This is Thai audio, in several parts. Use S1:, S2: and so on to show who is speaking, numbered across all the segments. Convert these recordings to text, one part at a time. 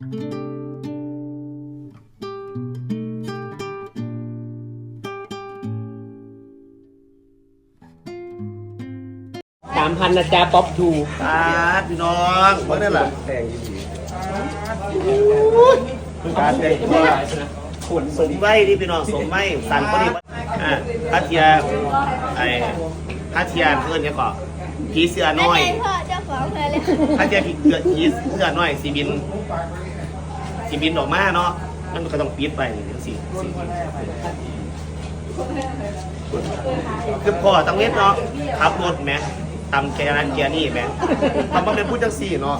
S1: 3,000นะจ๊ะป๊อปทู
S2: ตาพี่น้องเมื่อนั่นแหละการแต่งตัวขุนสมใบที่พี่น้องสมใบสันพอดีพัทยาพัทยาเพื่อนเนี่ยก็ผีเสือน้อย
S3: พ่อเจ้าของเลยเลย
S2: พัทยาผีเสือน้อยสีบินออกมาเนาะมันก็ต้องปิดไปสิคือพ่อต้องเล่นเนาะขับรถแม่ตำแกนั้นแกนี่แม่ทำมาเป็นผู้จังสี่เนาะ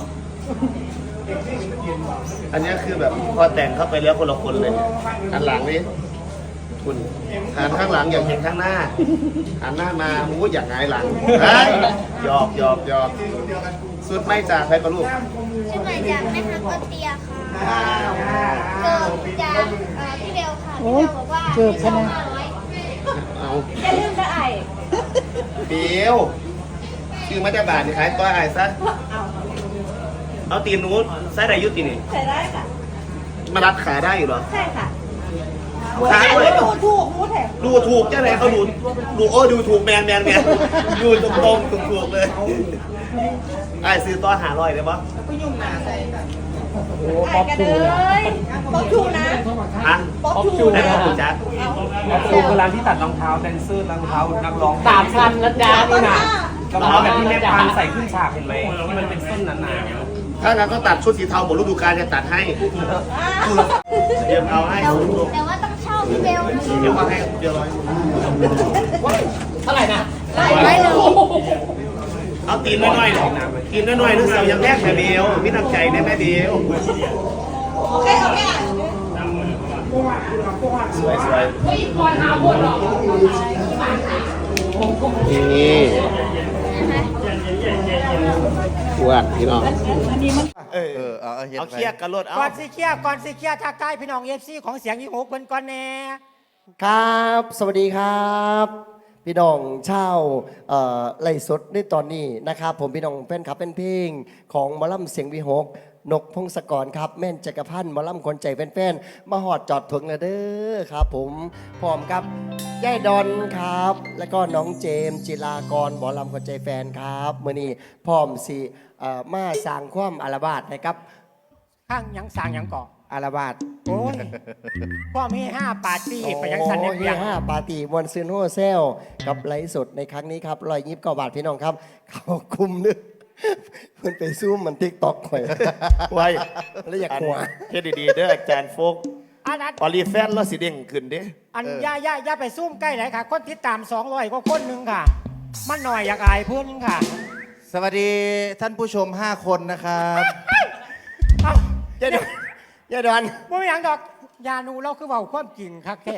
S2: อันนี้คือแบบพอแต่งเข้าไปแล้วคนละคนเลยหันหลังนี่คุณหันข้างหลังอยากเห็นข้างหน้าหันหน้ามาโอ้อยากหงายหลังหยอกสุดไม่จ่าใครกับลูก
S3: ชื่อใหม่จากแม่ฮักก็เตียค่ะเกิดจากพี่เบลค่ะพี่เบลบอกว่าเกิดใช่ไหม
S2: เอา
S3: อย่าลืมนะไอ้
S2: เดียวคือมาจากบาทนี่ขายก้อยไอ้ซะเอาตีนนู้นใส่ได้ยุตินี่
S3: ใส่ได้ค่ะ
S2: มารัดขาได้อยู่เหรอ
S3: ใช่ค่ะ
S2: ขาด้วย
S3: ดูถูกมูแถม
S2: ดูถูกแค่ไหนเขาดูถูกแมนดูตรงถูกเลยไอ้ซื้อต้อนหาลอยได้ปะ
S3: ก็ยุ่งหนาใส่ค่ะโอ้ป๊อปชูป๊อปชูนะ
S2: ฮะ
S1: ป๊อปชู
S2: ได้ป๊อปชูจัด
S1: ป๊อปชูคือร้านที่ตัดรองเท้าแดนเซอร์รองเท้านักร้อง3,000นะจ๊ะนี่นะรองเท้าแบบที่แม่ปานใส่ขึ้นฉากเห็นไหมที่มันเป็นส้นหนา
S2: ถ้างั้นก็ตัดชุดสีเทาหมดฤดูกาลจะตัดให้เดี๋ยวเอาให้
S3: แต่ว่าต้องเช่าพี่เบล
S2: เดี๋ยวเอาให้เดี๋ยว
S1: เท่าไหร่นะ
S3: 100เลย
S2: เอาตีนน้อยๆตีนน้อยๆนึกเสียวอย่างแรกแม่เบลพี่น้ำใจเนี่ยแม่เบล
S3: โอเค
S2: สวยนี่ปวดพี่น้องเอาเคียกกระโดด
S4: ก่อนสิเคียทักทายพี่น้องFCของเสียงวิหกเพิ่นก่อนแน่
S5: ครับสวัสดีครับพี่น้องชาวไล่สดในตอนนี้นะครับผมพี่น้องแฟนคลับเป็นเพลงของหมอลำเสียงวิหกนกพงศกรครับแม่นจักรพันธ์หมอลำคนใจแฟนๆมาหอดจอดถึงเลยเด้อครับผมพร้อมกับย่ายดอนครับแล้วก็น้องเจมจิรากรหมอลำคนใจแฟนครับมื้อนี้พร้อมสิมาสร้างความอาลาบาดนะครับ
S4: ข้างยังสร้างยังเกาะ
S5: อาลาบาด
S4: โอ้ยพ่อมี5ปาร์ตี้ไปยังสันเนี่ย
S5: 5ปาร์ตี้มวนซื้อโฮเซลกับไลฟ์สดในครั้งนี้ครับ129 บาทพี่น้องครับเขาคุมนึกเพิ่นไปซูมมันทิกต็อกหอยไว้แล้วอยากหัว
S2: เฮ็ดดีๆเด้ออาจารย์โฟกออลีแฟนแล้วสิเด้งขึ้นเด้
S4: อันย่าไปซูมใกล้ไหนค่ะคนติดตาม200กว่าคนนึงค่ะมันหน่อยอยากอายเพื่อนนึงค่ะ
S5: สวัสดีท่านผู้ชม5 คนนะครับยายดอน
S4: ไม่มีอย่างดอกยานูเราคือเบาความจริงครับแค่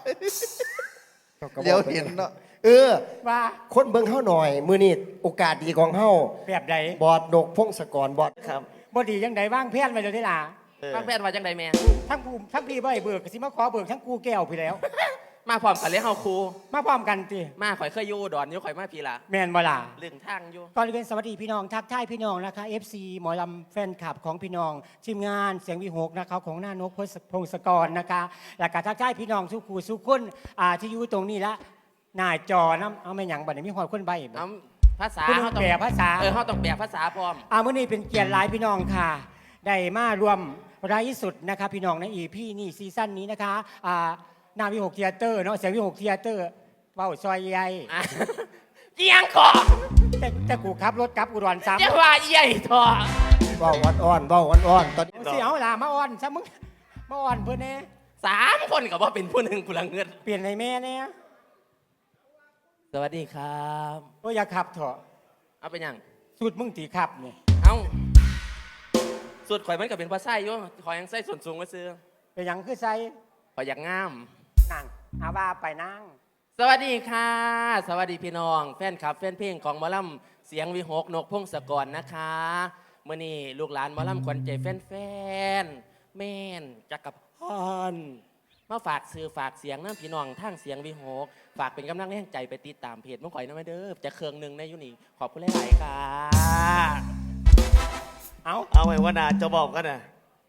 S5: เดี๋ยวเห็นเนาะ
S4: ว่า
S5: คนเบิ่งเฮาหน่อยมื้อนี้โอกาสดีของเฮา
S4: แบบใด
S5: บอดดกพงศกรบอด
S2: ครับ
S4: บ่ดีจังใดว่างแพนไว้เลยได้ล่ะ
S1: ว่างแพนว่าจังใดแม่
S4: ทั้งพี่บ่ให้เบิกสิมาขอเบิกทั้งกูแก้วพี่แล้ว
S1: มาพร้อมกันเลยเฮาครู
S4: มาพร้อมกันติ
S1: มาข่อยเคยอยู่ดอนอยู่ข่อยมาพี่ล่ะ
S4: แม่นบ่ล่ะ
S1: เรื่องทางอยู่
S4: ก่อนอื่นสวัสดีพี่น้องทักทายพี่น้องนะคะ FC หมอลำแฟนคลับของพี่น้องทีมงานเสียงวิหกนะคะของหน้านกพงศกรนะคะแล้วก็ทักทายพี่น้องทุกคู่ทุกคนที่อยู่ตรงนี้ละหน้าจอน้ำเอาไม่หยังบัดนี้มีหอดคนใบ
S1: ภาษา
S4: เฮาต้องแปลภาษา
S1: เฮาต้องแปลภาษาพร้อม
S4: มื้อนี้เป็นเกียรติหลายพี่น้องค่ะได้มารวมไร้สุดนะคะพี่น้องในEPนี่ซีซั่นนี้นะคะนาวิหกเทียเตอร์เนาะเสียงวิหกเทียเตอร์เว้าซอยใหญ่
S1: เอียงขอ
S4: แต่กูขับรถกลับอุดรซ้ำ
S1: จะว่าใหญ่ทอ
S5: เว้าอ่อนตอนนี้
S4: สิเอาล่ะมาอ่อนซะมึงมาอ่อนเพิ่นแน่
S1: 3 คนก็บ่เป็นผู้หนึ่งกูละเงิน
S4: เปลี่ยนในแม่แน่
S1: สวัสดีครับ
S4: โอ้ยอย่าขับเถอะ
S1: เอาเป็นยัง
S4: สุดมึงตีขับนี่
S1: เอ้าสุดข่อยมันก็เป็นภาษาอยู่ข่อยยังใส่ส่วนสูงไว้ซื้อ
S4: เป็นยังคือใส่
S1: ข่อยอยากงาม
S4: นั่งเอาว่าไปนั่ง
S1: สวัสดีค่ะสวัสดีพี่น้องแฟนคลับแฟนเพลงของหมอลำเสียงวิหกนกพงศกรนะคะเมื่อนี้ลูกหลานหมอลำขวัญใจแฟนแม่นจักรพันธ์มาฝากสื่อฝากเสียงน้ำพี่น้องทั้งเสียงวิหกฝากเป็นกำลังแรงใจไปติดตามเพจมังข่อยน้ำเด้อจะเครื่องหนึ่งในยุนี่ขอบคุณหลายๆค่ะ
S2: เอาไว้ว่านาจะบอกกันนะ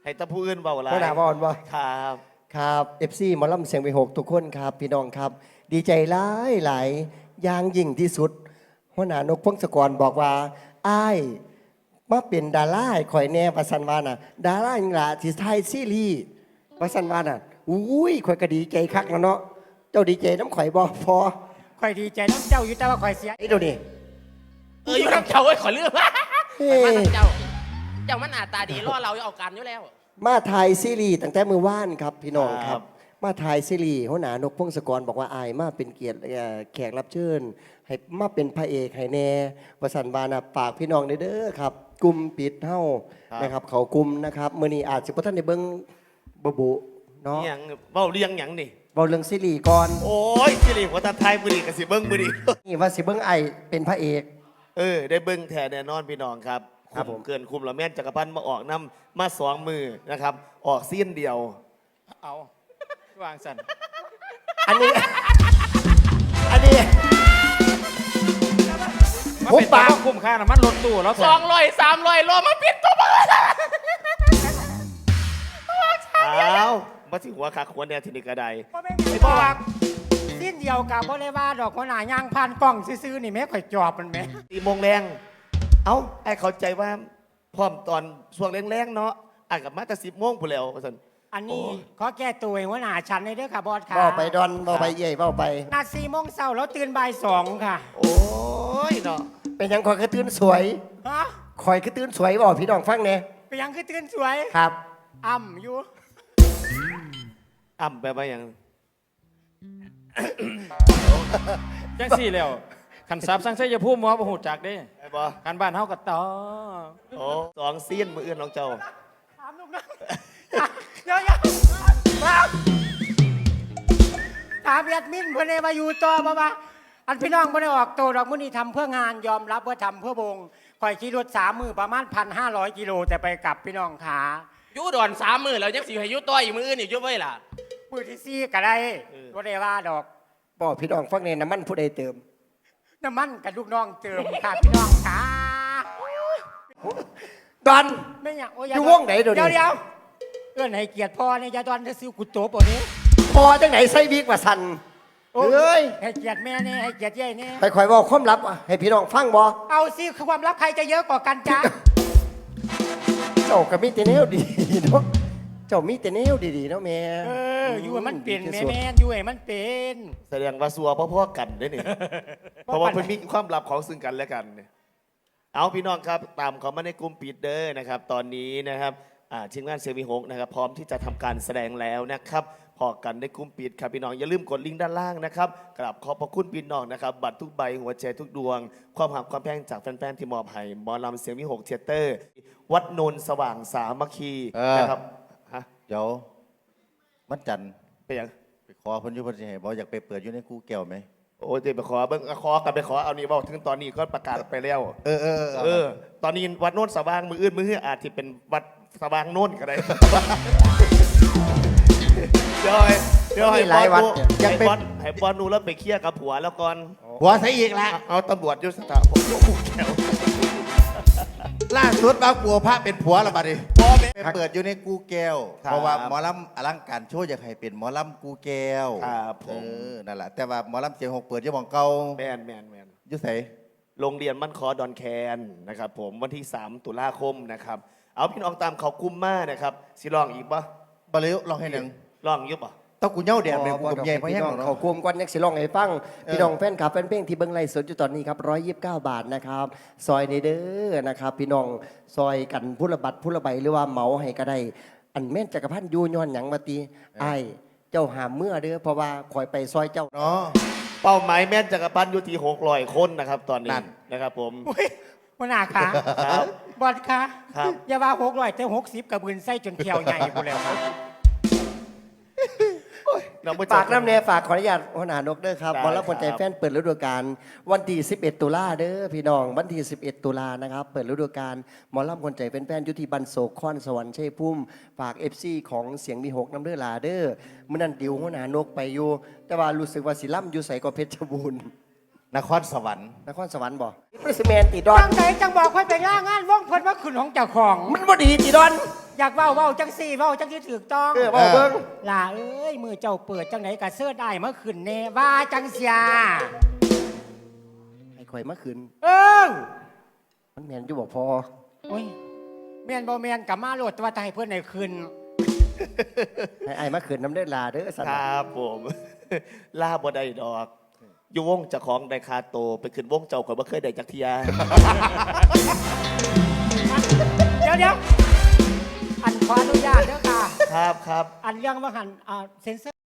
S2: ให้ตะผู้อื่นเบาหลาย
S5: หัวหน้าบอลบ่
S2: ครับ
S5: ครับ FC หมอลำเสียงวีหกทุกคนครับพี่น้องครับ ดีใจหลายหลายอย่างยิ่งที่สุดหัวหน้านกพงศกรบอกว่าอ้ายมาเป็นดาราให้ข่อยแน่ประสันวาน่ะดาราหยังล่ะที่ไทยซีรีส์ประสันวาน่ะอุ้ยข่อยก็ดีใจคักแล้วเนาะเจ้าดีใจน้ำข่อยบ่พอ
S4: ข่อยดีใจน้ำเจ้าอยู่แต่ว่าข่อยเสีย
S5: ไอ้เดี๋ยวนี้
S1: อยู่กับเจ้าไอ้ยขอเลือก
S5: เฮ้
S1: ไปมาทางเจ้า เจ้ามันหน้าตาดีรอเราเอาการอยู่แล้ว
S5: มาถ่ายซีรีส์ตั้งแต่มือว่านครับพี่น้องค
S2: ครั
S5: รับ
S2: บ
S5: มาถ่ายซีรีส์หัวหน้านกพงศกรบอกว่าอายมาเป็นเกียรติแขกรับเชิญให้มาเป็นพระเอกให้แน่ประสันบานะฝากพี่น้องเด้อครับกลุ่มปิดเฮ้านะครับเขากลุ่มนะครับมื้อนี้อาจสิบ่ทันได้เบิ่งบ่บุเนาะ
S2: หยังเบ้าเลี้ยงหยังนี่
S5: เว้าเรื่องซีรีส์ก่อน
S2: โอ้ยสิริหัวตาไทยมือดีกับสิเบิ้งมือดี
S5: นี่ว่าสิเบิ่งไอายเป็นพระเอก
S2: ได้เบิ้งแทนแน่นอนพี่น้องครับ
S5: ครับผม
S2: เกินคุมละแม่นจักรพันธ์มาออกน้ำมาสองมือนะครับ ออกเสี้ยนเดียว
S1: เอาวางสัน
S5: อันนี้ อันนี้
S6: มา
S5: ผม
S6: เป็น
S5: ปาก
S6: คุ้มค่าน้ำมันรถตู้แล้ว
S1: 200 300โลมาปิดตัวมา
S2: อ้าวมาถึงหัวขาขวนแนวทีนี้ก็ได้
S4: บ่แม่นไอ้บ่ว่าสิ้นเดียวกับบ่ได้ว่าดอกหัวหน้าย่างผ่านกล้องซื่อๆนี่แม่ข่อยจอบมันแม่
S2: 4 โมงแรงเอ้าไอ้เข้าใจว่าพร้อมตอนช่วงแรงๆเนาะอ่านกับมาแต่10 โมงพู้นแล้วว่าซั่น
S4: อันนี้ขอแก้ตัวให้หัวหน้าฉันในเด้อค่ะบอสค่ะ
S5: เว้าไปดอนเว้าไปเย่ยเว้าไป
S4: นัด4 โมงเช้าแล้วตื่นบ่าย2ค่ะ
S2: โอ้ยเนาะ
S5: เป็นหยังข่อยคือตื่นสวย
S4: ฮะ
S5: ข่อยคือตื่นสวยบอกพี่น้องฟังแหน่
S4: ไปยังคือตื่นสวย
S5: ครับ
S4: อ่ำอยู่
S2: อ่ำไปว่าหยัง
S6: จังสี่แล้วขันซับสังเสยภูมิหมอประหูจักเด้
S2: ไอ้บ่
S6: การบ้านเฮากับต่อ
S2: โอ้สองเสี้ยนมืออื่นน้องเจ้า
S4: ถามลูกน้องเดี๋ยวถามแอดมินเพื่อนเลยมาอยู่ต่อบ่ว่าอันพี่น้องไม่ได้ออกโตดอกมื้อนี้ทำเพื่องานยอมรับว่าทำเพื่อวงข่อยขี่รถ3 มื้อประมาณ 1,500 กิโลแต่ไปกลับพี่น้องขา
S1: อยู่ดอน3 มื้อแล้วยังสิให้อยู่ต่ออีกมื้ออื่นอีกอยู่ไว้ล่ะ
S4: มื้อที่4ก็ได้บ่ได้ว่าดอก
S5: บอกพี่น้องฟังแหน่น้ำมันผู้ใดเติม
S4: น้ำมันกับลูกน้องเติมค่ะพี่น้องขา
S5: ดอน
S4: ไม่อยากโอ้ย
S5: อยู่วงไหนเดี๋ยวนี้
S4: เดี๋ยวเอื้อนให้เกียรติพ่อในยาดอนจะซื้อกุโตปะนี้
S5: พอจังไหนใส่วิกว่าสันเอ้ย
S4: ให้เกียรติแม่เนี่ยให้เกียรติยายเนี่ย
S5: ไปคอยบอกความลับให้พี่น้องฟังบ่
S4: เอาสิคือความลับใครจะเยอะกว่ากันจ๊ะ
S5: เจ้าก็มีแต่แนวดีเนาะเจ้ามีแต่แนวดีๆเนาะแม่
S4: อยู่ให้มันเป็น
S5: ดี
S4: แม่
S5: ที่สุด
S4: แม่อยู่ให้มันเป็น
S2: แสดงว่าสัวพ่อๆกันเด้อนี่ เพราะว่าเพิ่นมีความลับของซึ่งกันและกันเนี่ยเอาพี่น้องครับตามเขามาในกลุ่มปิดเด้อนะครับ ตอนนี้นะครับทีมงานเซวีหกนะครับพร้อมที่จะทำการแสดงแล้วนะครับพอกันในกลุ่มปิดครับพี่น้องอย่าลืมกดลิงก์ด้านล่างนะครับกราบขอบพระคุณพี่น้องนะครับบัตรทุกใบหัวใจทุกดวง ความหักความแพงจากแฟนๆที่มอบให้หมอลำเสียงวิหกเทยเตอร์ วัดโนนสว่างสามัคคีนะครับฮะ
S7: เดี๋ยวมันจันทร์
S2: เป็นยัง
S7: ไปขอเพิ่นอยู่เพิ่นสิให้บ่อยากไปเปิดอยู่ในกูแก้วไหม
S2: โอ้ยเดี๋ยวไปขอเบิ่งขอกันไปขอเอานี่บอกถึงตอนนี้ก็ประกาศไปแล้ว
S7: เออ
S2: ตอนนี้วัดโน้นสว่างมืออื่นมือเฮืออาจจะเป็นวัดสว่างโน้นก็ได้ เดี๋ยวให้
S5: มีหลายวัดเนี่ย
S2: ให้บอลให้บอลนูแล้วไปเคลียร์กับผัวแล้วก่อน
S7: หัวใส่อีกละ
S2: เอาตำรวจยุทธศาสตร์ผมยกหูแถว
S7: ล่าสุดบางปัวพระเป็นผัวและบัดนี้
S2: พ่อแม่
S7: ไปเปิดอยู่ในกูแก้ว
S2: ครับ
S7: เพราะว่าหมอลำอลังการโชว์อยากให้เป็นหมอลำกูแก้ว
S2: ครับผม
S7: นั่นแหละแต่ว่าหมอลำเสียงหกเปิดอยู่หม่องเก่า
S2: แมน
S7: อยู่ไส
S2: โรงเรียนมั่นคอดอนแคนนะครับผมวันที่ 3 ตุลาคมนะครับเอาพี่น้องตามเขากุมมานะครับสิลองอีกปะ
S7: บ่เลยลองให้หนึ่ง
S2: ลองอยุบปะ
S7: ต้องกูเหย้าแดดเลยกูกับใหญ่พะแห้ง
S5: พี่น้อง
S7: เนาะ
S5: เขากลุ่มก่อนยังสิร้องให้ฟังพี่น้องแฟนคลับแฟนเพลงที่เบิ่งไลฟ์สดอยู่ตอนนี้ครับ129 บาทนะครับซอยในเด้อนะครับพี่น้องซอยกันผู้ละบัตรผู้ละใบหรือว่าเหมาให้ก็ได้อันแม่นจักรพันธ์อยู่ย้อนหยังมาตีอ้ายเจ้าหามเมื่อเด้อเพราะว่าคอยไปซอยเจ้า
S7: เนาะ
S2: เป้าหมายแม่นจักรพันธ์อยู่ที่600 คนนะครับตอนนี้
S7: นั่น
S2: นะครับผม
S4: อุ้ยหัวหน้าขา
S2: ครับ
S4: บอสขา
S2: ครับ
S4: อย่าว่า600แต่60กับบืนไส้จนเขียวใหญ่พูดแล้วครับ
S2: น้องผู้ช
S5: ฝากน้ำเนฝากขออนุญาตหัวหน้านกเด้อครับ
S2: ได้
S5: บอลรับคนใจ
S2: ครับ
S5: แฟนเปิดฤดูกาลวันที่11 ตุลาเด้อพี่น้องวันที่11 ตุลานะครับเปิดฤดูกาลหมอลำคนใจแฟนๆอยู่ที่บันโศกคอนสวรรค์ชัยภูมิฝาก FC ของเสียงมีหกน้ำเด้อลาเด้อมื้อนั้นดิวหัวหน้านกไปอยู่ แต่ว่ารู้สึกว่าสิล่ำอยู่ใส่ก็เพชรบูรณ์
S7: นครสวรรค์
S5: นครสวรรค์บ่ปริสแมนติดอน
S4: จังไหนจังบอกค่อยไปล่างานว่องเพิ่นว่าขึ้นของเจ้าของ
S5: มันบ่ดีติดอน
S4: อยากเว้าจังสี่เว้าจังที่ถูกต้อง
S5: เว้าเบิ่ง
S4: ล่ะเอ้ยมือเจ้าเปิดจังไหนกะเสื้อได้เมื่อคืนเน่ว่าจังเสีย
S5: ให้ข่อยมาคืน
S4: เออ
S5: มันแม่นอยู่บ่พอ
S4: โอ้ยแมนบ่แมนกับมาโหลดว่าจะให้เพื่อนในคืน
S5: ให้อ้ายมาคืนน้ำได้ลาเด้อสัน
S2: ครับผม ล่าบ่ได้ดอก อยู่วงเจ้าของได้คาโตไปขึ้นวงเจ้าข่อยบ่เคยได้จักเทีย
S4: เดี๋ยวอันขออนุญาตเด้อค่ะ
S2: ครับครับ
S4: อันเรื่องว่าหันเซนเซอร์